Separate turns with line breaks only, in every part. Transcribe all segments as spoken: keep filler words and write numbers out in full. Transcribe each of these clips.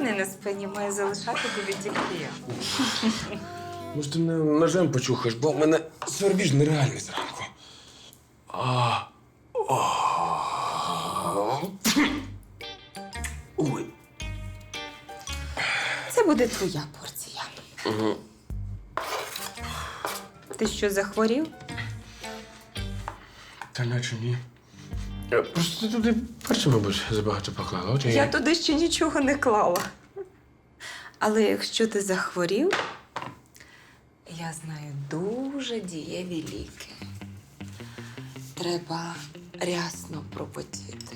рани на спині має залишати тобі тільки я.
Може, ти мене ножем почухаєш, бо в мене свербіж нереальний зранку. А. А. Ой.
Це буде твоя порція.
Угу.
Ти що, захворів?
Та наче ні. Е, Просто ти туди перше, мабуть, забагато поклала. От і
Я туди ще нічого не клала. Але якщо ти захворів, я знаю дуже дієві ліки. Треба рясно пропотіти.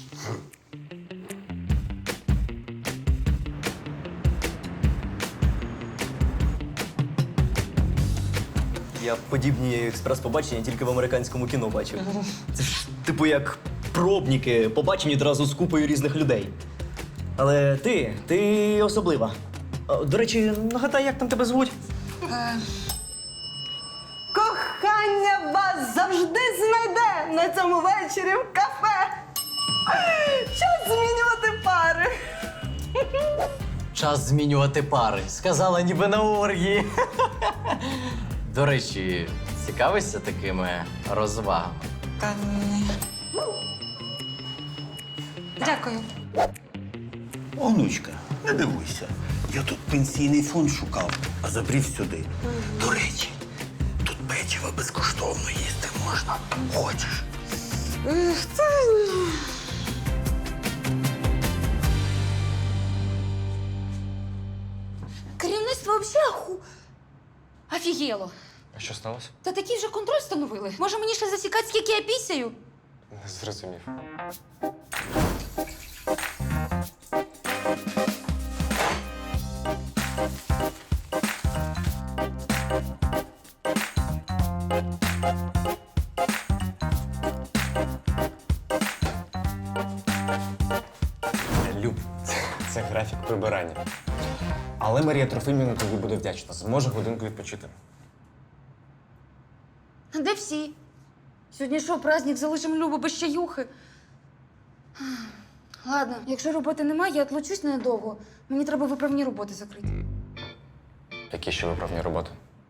Я подібні експрес-побачення тільки в американському кіно бачив. Це ж типу як пробники, побачені одразу з купою різних людей. Але ти, ти особлива. А, До речі, нагадай, як там тебе звуть?
Кохання вас завжди знайде на цьому вечорі в кафе. Час змінювати пари.
Час змінювати пари. Сказала ніби на оргії. До речі, цікавишся такими розвагами?
Та ні. Дякую.
Онучка, не дивуйся. Я тут пенсійний фонд шукав, а забрів сюди. До речі, тут печиво безкоштовно їсти можна. Хочеш?
Керівництво взагалі аху... Офігело.
А що сталося?
Та такий вже контроль встановили. Може мені ще засікати, скільки я пісяю?
Не зрозумів.
Люб, це графік прибирання. Але Марія Трофимівна тобі буде вдячна. Зможе годинку відпочити.
А де всі? Сьогодні що, праздник, залишимо Любу без чаюхи? Ладно, якщо роботи немає, я отлучусь ненадовго. Мені треба виправні роботи закрити.
Які ще виправні роботи?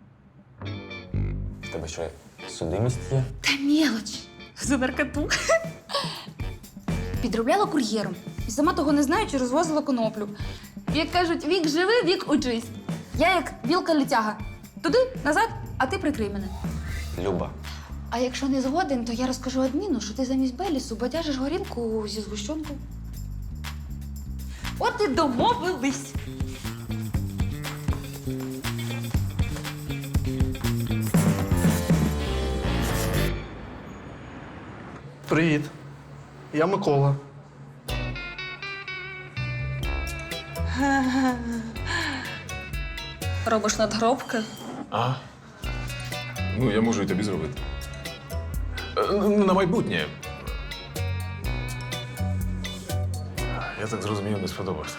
В тебе що, судимість є?
Та мелоч. За наркоту. Підробляла кур'єром. І сама того не знаючи, розвозила коноплю. Як кажуть, вік живи, вік учись. Я як білка-летяга. Туди, назад, а ти прикрий мене.
Люба.
А якщо не згоден, то я розкажу адміну, що ти замість Белісу бадяжиш горілку зі згущенкою. От і домовились.
Привіт. Я Микола.
Робиш надгробки?
А? Ну, я можу і тобі зробити. Е, ну, На майбутнє. Я так зрозумів, не сподобався.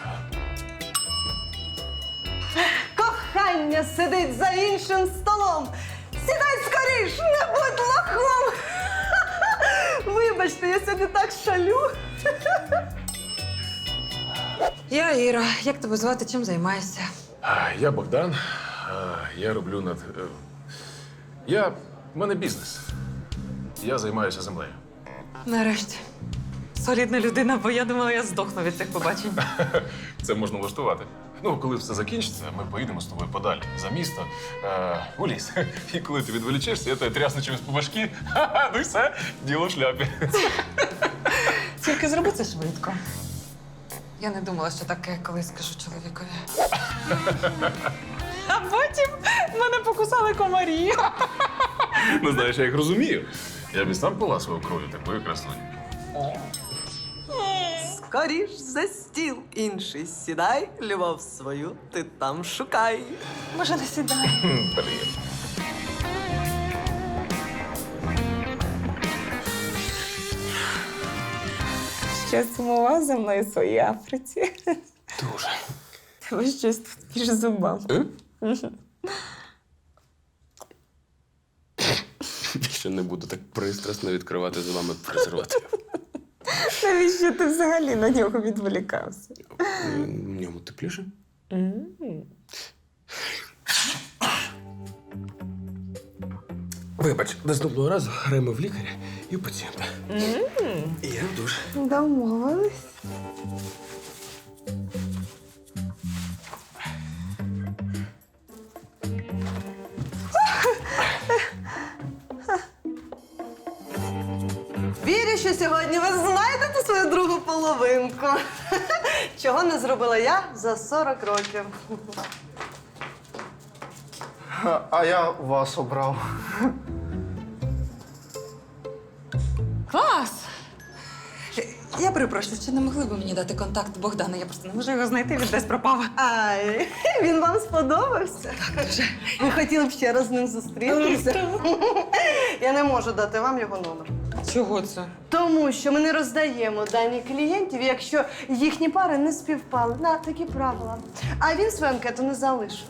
Кохання сидить за іншим столом. Сідай скоріш, не будь лохом. Вибачте, я сьогодні так шалю.
Я Іра. Як тебе звати? Чим займаєшся?
А, Я Богдан. А, Я роблю над. е, Я. В мене бізнес. Я займаюся землею.
Нарешті. Солідна людина, бо я думала, я здохну від цих побачень.
Це можна влаштувати. Ну, коли все закінчиться, ми поїдемо з тобою подалі за місто, е, у ліс. І коли ти відволічешся, я тебе трясну чимось по башки. Ха-ха, ну і все, діло в шляпі.
Тільки зроби це швидко. Я не думала, що таке колись скажу чоловікові. А потім мене покусали комарі.
Ну, знаєш, я їх розумію. Я б і сам поласував кров'ю такої красуні.
Скоріш за стіл інший сідай, любов свою ти там шукай.
Може, не сідай.
Привіт.
Ще сумував за мною в своїй Африці.
Дуже.
Тебе щось тут між зубами.
Більше не буду так пристрасно відкривати з вами презерватив.
Навіщо ти взагалі на нього відволікався?
В ньому тепліше? Вибач, наступного разу граємо в лікаря і в пацієнта. І я в душ.
Домовились. Вірю, що сьогодні ви знайдете свою другу половинку. Чого не зробила я за сорок років.
А, а я вас обрав.
Клас! Я перепрошую, чи не могли б мені дати контакт Богдана? Я просто не можу його знайти, він десь пропав.
Ай, він вам сподобався?
Так, дуже.
Ви хотіли б ще раз з ним зустрітися? Я не можу дати вам його номер.
Чого це?
Тому що ми не роздаємо дані клієнтів, якщо їхні пари не співпали. На такі правила. А він свою анкету не залишив.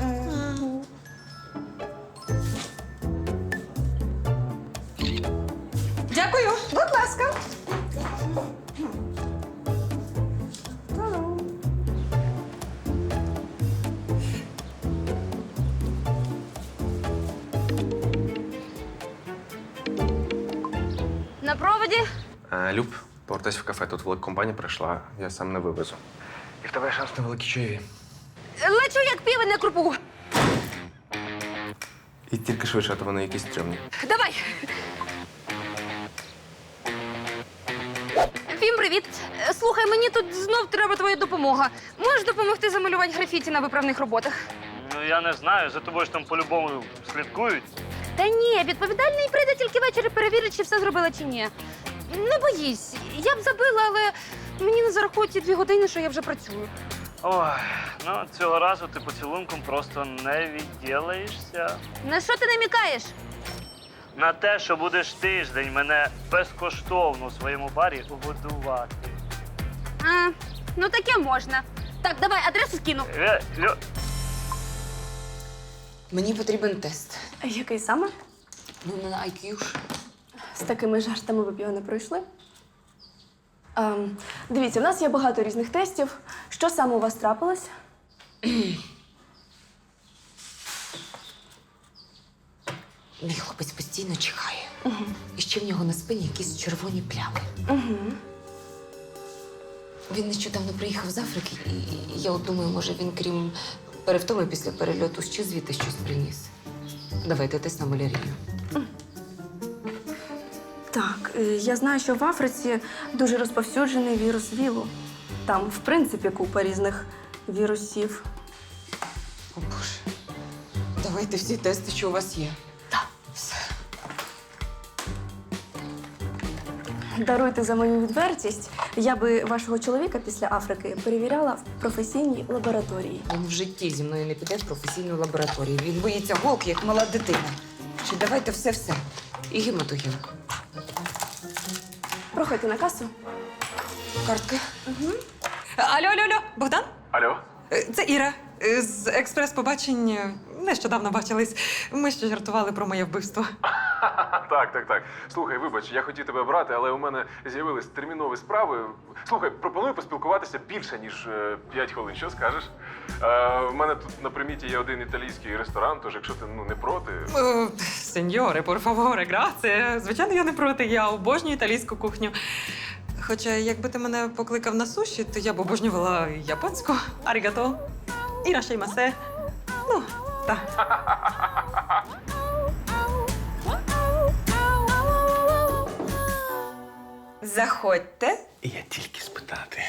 Дякую.
Будь ласка.
На проводі?
А, Люб, повертайся в кафе. Тут велика компанія прийшла, я сам не вивезу. І в тебе шанс на великі чаєві.
Лечу як півень на крупу.
І тільки швидше, а то вони якісь стрімні.
Давай. Фім, привіт. Е, Слухай, мені тут знов треба твоя допомога. Можеш допомогти замалювати графіті на виправних роботах?
Ну я не знаю, за тобою ж там по-любому слідкують.
Та ні, відповідальний прийде тільки ввечері перевірить, чи все зробила, чи ні. Не боїсь, я б забила, але мені не зарахують ті дві години, що я вже працюю.
Ой, ну цього разу ти поцілунком просто не відділаєшся.
На що ти намікаєш?
На те, що будеш тиждень мене безкоштовно у своєму барі годувати.
А, ну таке можна. Так, давай, адресу скину.
Е, Лю...
Мені потрібен тест.
Який саме?
Ну, на ай к'ю.
З такими жартами ви б його не пройшли? Ем, дивіться, в нас є багато різних тестів. Що саме у вас трапилось?
Мій хлопець постійно чихає. Угу. І ще в нього на спині якісь червоні плями.
Угу.
Він нещодавно приїхав з Африки, і я от думаю, може він, крім перевтоми після перельоту, ще звідти щось приніс. Давайте тест на малярію.
Так, е, я знаю, що в Африці дуже розповсюджений вірус ВІЛу. Там, в принципі, купа різних вірусів.
О, Боже. Давайте всі тести, що у вас є.
Так.
Все.
Даруйте за мою відвертість. Я би вашого чоловіка після Африки перевіряла в професійній лабораторії.
Він в житті зі мною не піде в професійну лабораторію. Він боїться голки, як мала дитина. Чи давайте все-все. І гематоген.
Проходьте на касу.
Картка. Угу. Алло, алло, алло, Богдан?
Алло?
Е, Це Іра. Е, З експрес-побачень нещодавно бачились. Ми ще жартували про моє вбивство.
Так, так, так. Слухай, вибач, я хотів тебе брати, але у мене з'явились термінові справи. Слухай, пропоную поспілкуватися більше, ніж е, п'ять хвилин. Що скажеш? Е, в мене тут на приміті є один італійський ресторан, тож якщо ти ну, не проти.
Е, Сеньоре, por favore, grazie. Звичайно, я не проти. Я обожнюю італійську кухню. Хоча, якби ти мене покликав на суші, то я б обожнювала японську. Арігато. Ірашеймасе. Ну, так. Заходьте.
Я тільки спитати.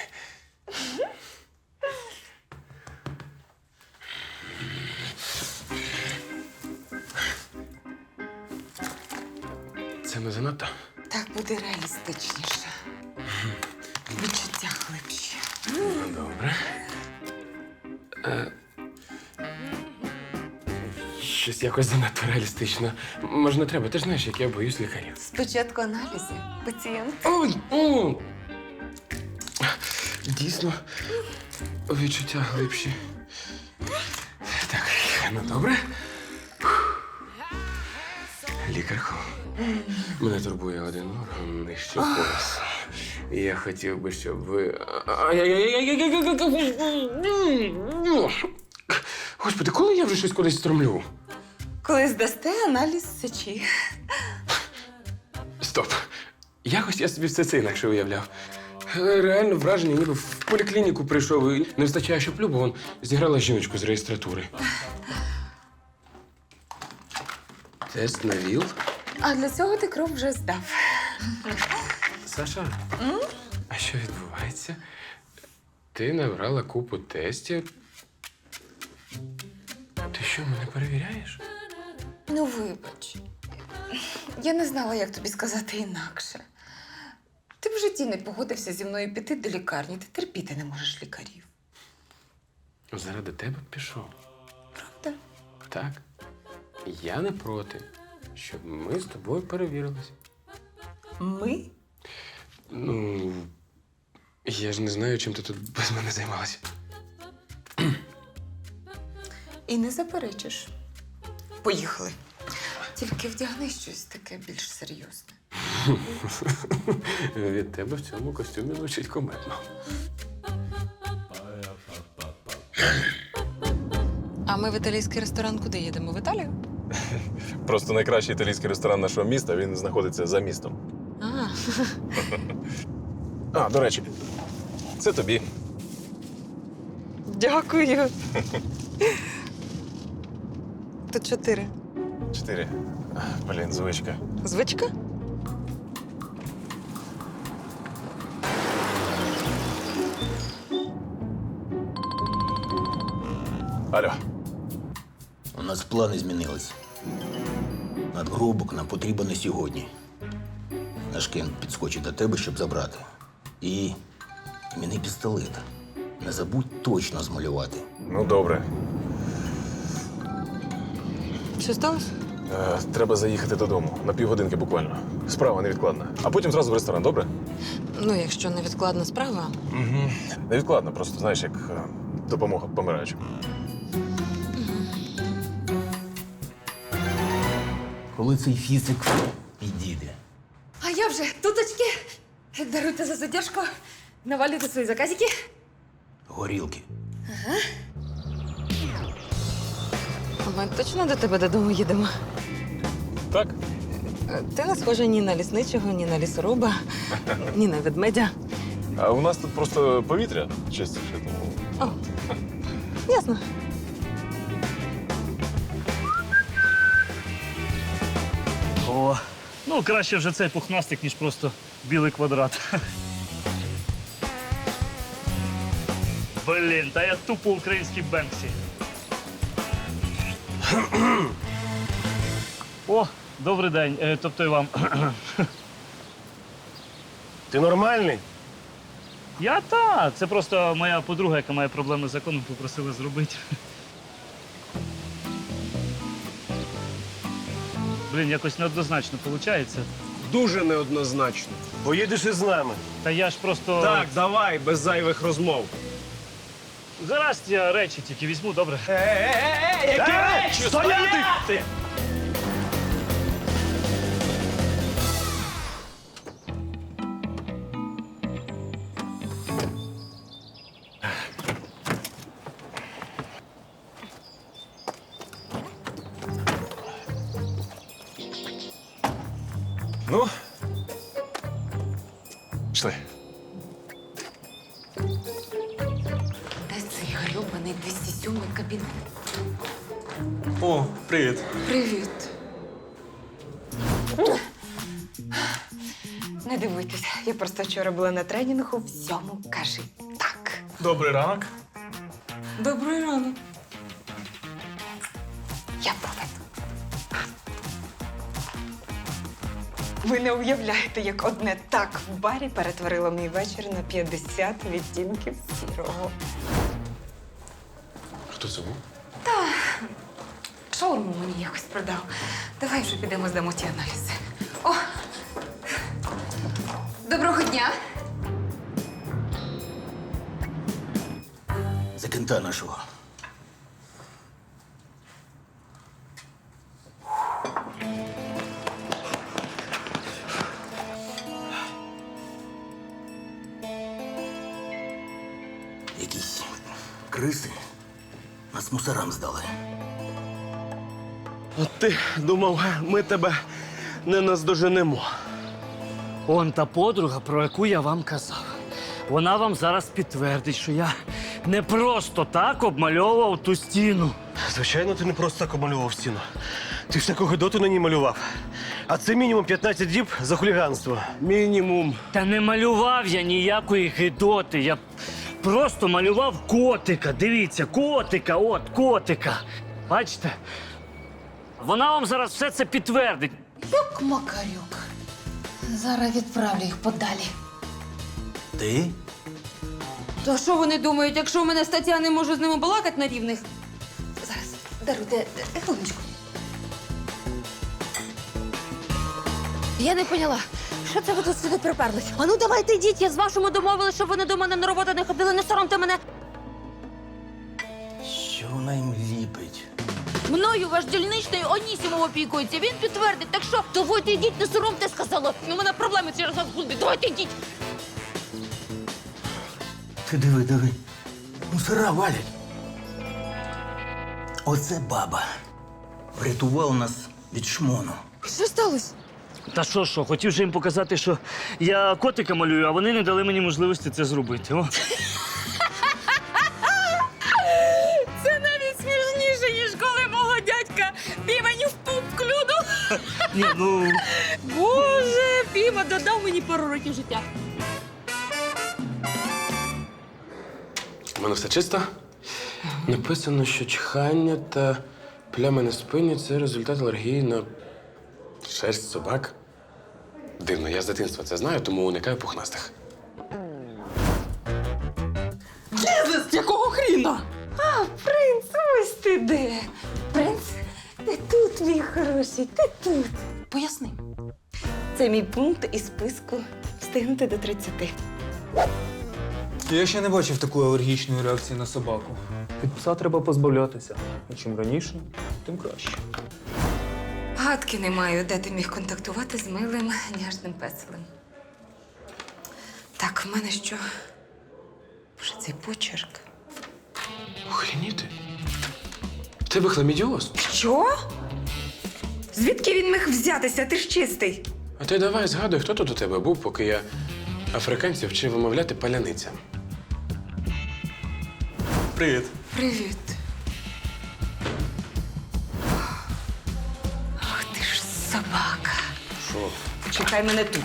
Це не занадто?
Так буде реалістичніше. Відчуття глибші.
Ну, добре. Е, щось якось занадто реалістично. Може, не треба, ти ж знаєш, як я боюсь лікарів.
Спочатку аналізи. Пацієнт.
Ой, ой. Дійсно, відчуття глибші. Так, ну добре. Лікарко, мене турбує один орган нижче пояса.
Я хотів би, щоб ви. Господи, коли я вже щось кудись стромлю?
Коли здасте аналіз сечі.
Стоп. Якось я собі все це інакше уявляв. Але реально враження, ніби в поліклініку прийшов і не вистачає, щоб Люба вон зіграла жіночку з реєстратури. Тест на ВІЛ.
А для цього ти кров вже здав.
Саша, а що відбувається? Ти набрала купу тестів. Ти що, мене перевіряєш?
Ну, вибач. Я не знала, як тобі сказати інакше. Ти в житті не погодився зі мною піти до лікарні. Ти терпіти не можеш лікарів.
Заради тебе пішов.
Правда?
Так. Я не проти, щоб ми з тобою перевірилися.
Ми?
Ну, я ж не знаю, чим ти тут без мене займалася.
І не заперечиш. Поїхали. Тільки вдягни щось таке більш серйозне.
Від тебе в цьому костюмі звучить кометно.
А ми в італійський ресторан куди їдемо? В Італію?
Просто найкращий італійський ресторан нашого міста, він знаходиться за містом.
А,
А, до речі, це тобі.
дякую. Тут чотири.
Чотири. Блін, звичка.
Звичка?
Алло.
У нас плани змінились. Надгробок нам потрібен не сьогодні. Наш Кент підскочить до тебе, щоб забрати. І іменний пістолет. Не забудь точно змалювати.
Ну, добре.
Що сталося?
Е, треба заїхати додому. На півгодинки буквально. Справа невідкладна. А потім зразу в ресторан, добре?
Ну, якщо невідкладна справа.
Угу. Невідкладно, просто, знаєш, як е, допомога помираючим.
Коли цей фізик підійде?
А я вже туточки. Даруйте за задержку. Навалюйте свої заказики.
Горілки.
Ми точно до тебе додому їдемо?
Так?
Ти не схожа ні на лісничого, ні на лісоруба, ні на ведмедя.
А у нас тут просто повітря чистіше, тому.
О, ясно.
О,
Ну, краще вже цей пухнастик, ніж просто білий квадрат. Блін, та я тупо український Бенксі. О, добрий день. Е, Тобто і вам.
Ти нормальний?
Я та. Це просто моя подруга, яка має проблеми з законом, попросила зробити. Блін, якось неоднозначно виходить.
Дуже неоднозначно. Поїдеш із нами.
Та я ж просто.
Так, давай, без зайвих розмов.
Зараз я речі тільки візьму, добре?
Е-е-е, які речі? Стояти!
Ну. Пішли.
Де цей грьобаний двісті сьомий кабінет?
О, привіт.
Привіт. Не дивуйтесь, я просто вчора була на тренінгу, всьому кажи так.
Добрий ранок.
Добрий ранок. Я поведу. Ви не уявляєте, як одне так в барі перетворило мій вечір на п'ятдесят відтінків сірого.
Хто це був?
Шаурму мені якось продав. Давай вже підемо здамо ті аналізи. О!
Доброго дня.
За Кента нашого. риси нас мусорам здали.
От ти думав, ми тебе не наздоженемо.
Он та подруга, про яку я вам казав. Вона вам зараз підтвердить, що я не просто так обмальовував ту стіну.
Звичайно, ти не просто так обмалював стіну. Ти всяку гидоту на ній малював. А це мінімум п'ятнадцять діб за хуліганство. Мінімум.
Та не малював я ніякої гидоти. Я просто малював котика. Дивіться, котика, от, котика. Бачите? Вона вам зараз все це підтвердить.
Юк, Макарюк. Зараз відправлю їх подалі.
Ти?
То що вони думають, якщо у мене стаття, не можу з ними балакати на рівних? Зараз, даруйте, е, хвилиночку. Я не поняла, що це ви тут сюди приперлись? А ну давайте йдіть, я з вашими домовилась, щоб вони до мене на роботу не ходили, не соромте мене.
Що вона їм ліпить?
Мною ваш дільничний Онісімов опікується, він підтвердить. Так що, давайте йдіть, не соромте, сказала. У мене проблеми через вас будуть, давайте йдіть.
Ти диви, диви. Мусора валять. Оце баба. Врятувала нас від шмону.
Що сталося?
Та що, що, хотів же їм показати, що я котика малюю, а вони не дали мені можливості це зробити. О.
Це навіть смішніше, ніж коли мого дядька півень в пуп клюнув.
Ні, ну...
Боже, Піма додав мені пару років життя.
У мене все чисто. Написано, що чхання та плями на спині це результат алергії на шерсть собак. Дивно, я з дитинства це знаю, тому уникаю пухнастих.
Єзус, якого хріна?
А, принц, ось ти де. Принц, ти тут, мій хороший, ти тут.
Поясни.
Це мій пункт із списку встигнути до тридцяти.
Я ще не бачив такої алергічної реакції на собаку. Від пса треба позбавлятися. І чим раніше, тим краще.
Гадки не маю, де ти міг контактувати з милим няжним песелем. Так, в мене що? Боже, цей почерк.
Охреніти? В тебе хламідіоз?
Що? Звідки він міг взятися? Ти ж чистий.
А ти давай згадуй, хто тут у тебе був, поки я африканців вчив вимовляти паляниця. Привіт.
Привіт. Ах ти ж собака.
Що?
Чекай мене тут.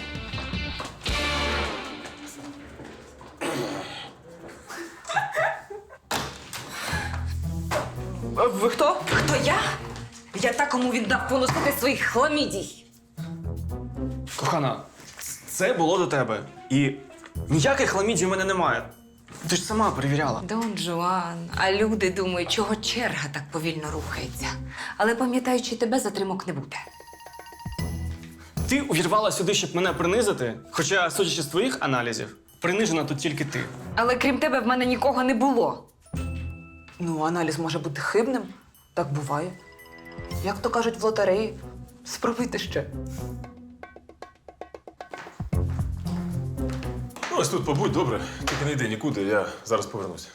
Ви хто?
Хто я? Я та, кому віддав поносити своїх хламідій.
Кохана, це було до тебе. І ніяких хламідій у мене немає. Ти ж сама перевіряла.
Дон Жуан, а люди думають, чого черга так повільно рухається. Але пам'ятаючи тебе, затримок не буде.
Ти увірвала сюди, щоб мене принизити, хоча, судячи з твоїх аналізів, принижена тут тільки ти.
Але крім тебе в мене нікого не було.
Ну, аналіз може бути хибним. Так буває. Як то кажуть в лотереї, спробуйте ще.
Ну, ось тут побудь, добре. Тільки не йди нікуди, я зараз повернуся.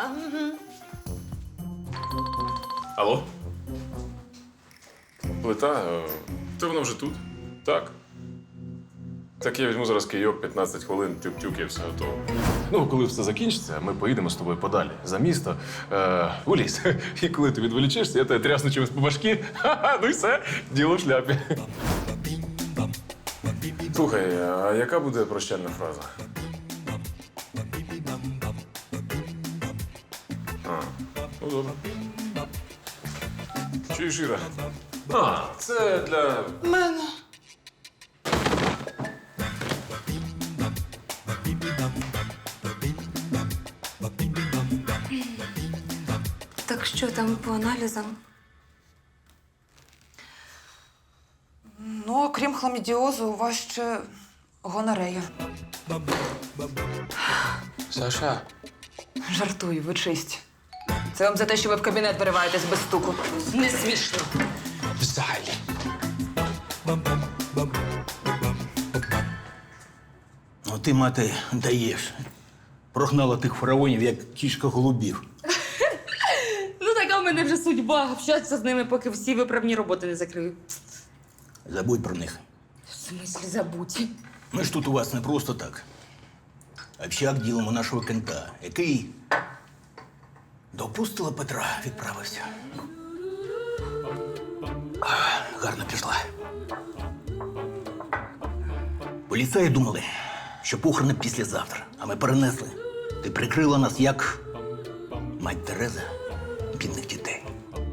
Алло? Плита? Е, Та вона вже тут. Так. Так я візьму зараз кийок, п'ятнадцять хвилин, тюк-тюк, і все готово. Ну, коли все закінчиться, ми поїдемо з тобою подалі, за місто, е, у ліс. І коли ти відволічешся, я тебе трясну чимось по башки. Ха-ха, ну і все, діло в шляпі. Слухай, а яка буде прощальна фраза? А, ну добре. Чуєш, Іра? А, це для...
Мене.
Так що там по аналізам?
Ну, окрім хламідіозу, у вас ще гонорея.
Саша,
Жартую, ви чисті. Це вам за те, що ви в кабінет вириваєтесь без стуку. Не смішно.
взагалі.
Ну ти, мати, даєш. Прогнала тих фараонів, як кішка голубів.
в мене вже судьба общатися з ними, поки всі виправні роботи не закрию.
Забудь про них.
В смислі забудь.
Ми ж тут у вас не просто так. Общак ділимо нашого кента, який до Пустила Петра відправився. Ах, гарно пішла. Поліцаї думали, що похорони післязавтра, а ми перенесли. Ти прикрила нас як мать Тереза бідних дітей.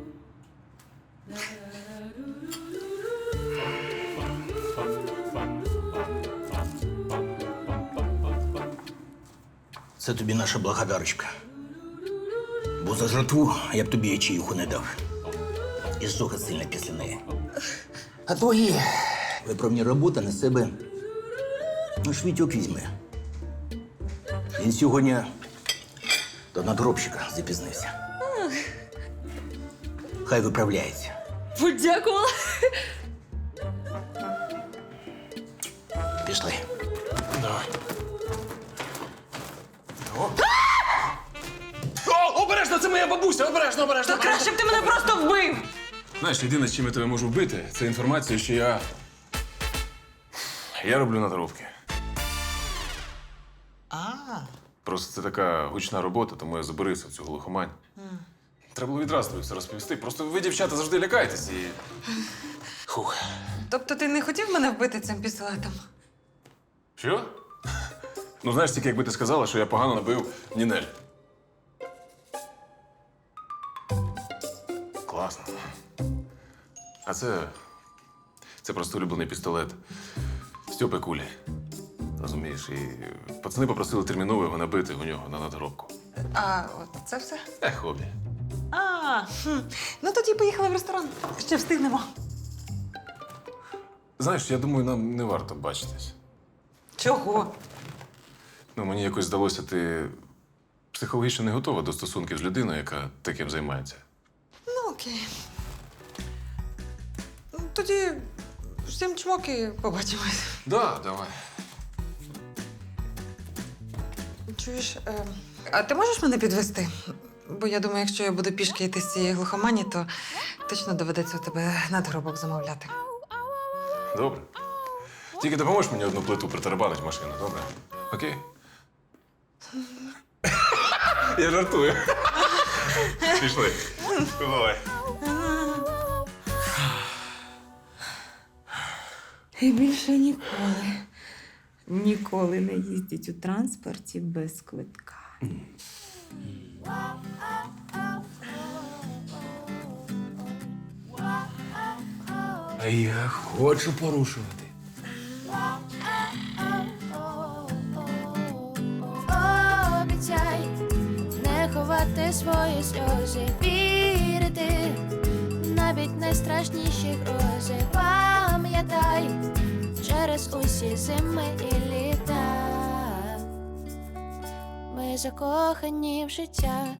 Це тобі наша благодарочка. Бо за жертву я б тобі ячіюху не дав. І зжога сильна після неї. А твої виправні роботи на себе наш Вітьок візьме. Він сьогодні до надгробщика запізнився. Хай виправляється.
Подякувала.
Пішли.
Давай. О, обережно, це моя бабуся! Обережно, обережно!
Та краще б ти мене просто вбив!
Знаєш, єдине, з чим я тебе можу вбити, це інформація, що я. Я роблю надробки.
А.
Просто це така гучна робота, тому я заберився в цю глухомань. Треба було відразу тобі все розповісти. Просто ви, дівчата, завжди лякаєтесь і. Хух.
Тобто ти не хотів мене вбити цим пістолетом?
Що? Ну, знаєш, тільки якби ти сказала, що я погано набив Нінель. Класно. А це. Це просто улюблений пістолет Стьопи Кулі. Розумієш, і пацани попросили терміново його набити у нього на надгробку.
А, от це все?
Е, хобі.
А, хм. Ну тоді поїхали в ресторан. Ще встигнемо.
Знаєш, я думаю, нам не варто бачитись.
Чого?
Ну, мені якось здалося, ти психологічно не готова до стосунків з людиною, яка таким займається.
Ну, окей. Ну, тоді всім чмоки побачимось.
Да, давай.
Чуєш, е, а ти можеш мене підвести? Бо я думаю, якщо я буду пішки йти з цієї глухомані, то точно доведеться у тебе надгробок замовляти.
Добре. Тільки допоможеш мені одну плиту притарабанить в машину, добре? Окей? Я жартую. Пішли. Давай.
І більше ніколи, ніколи не їздіть у транспорті без квитка.
А я хочу порушувати.
Обіцяй не ховати свої сльози, вірити навіть найстрашніші грози. Пам'ятай через усі зими і літа. Ми закохані в життя.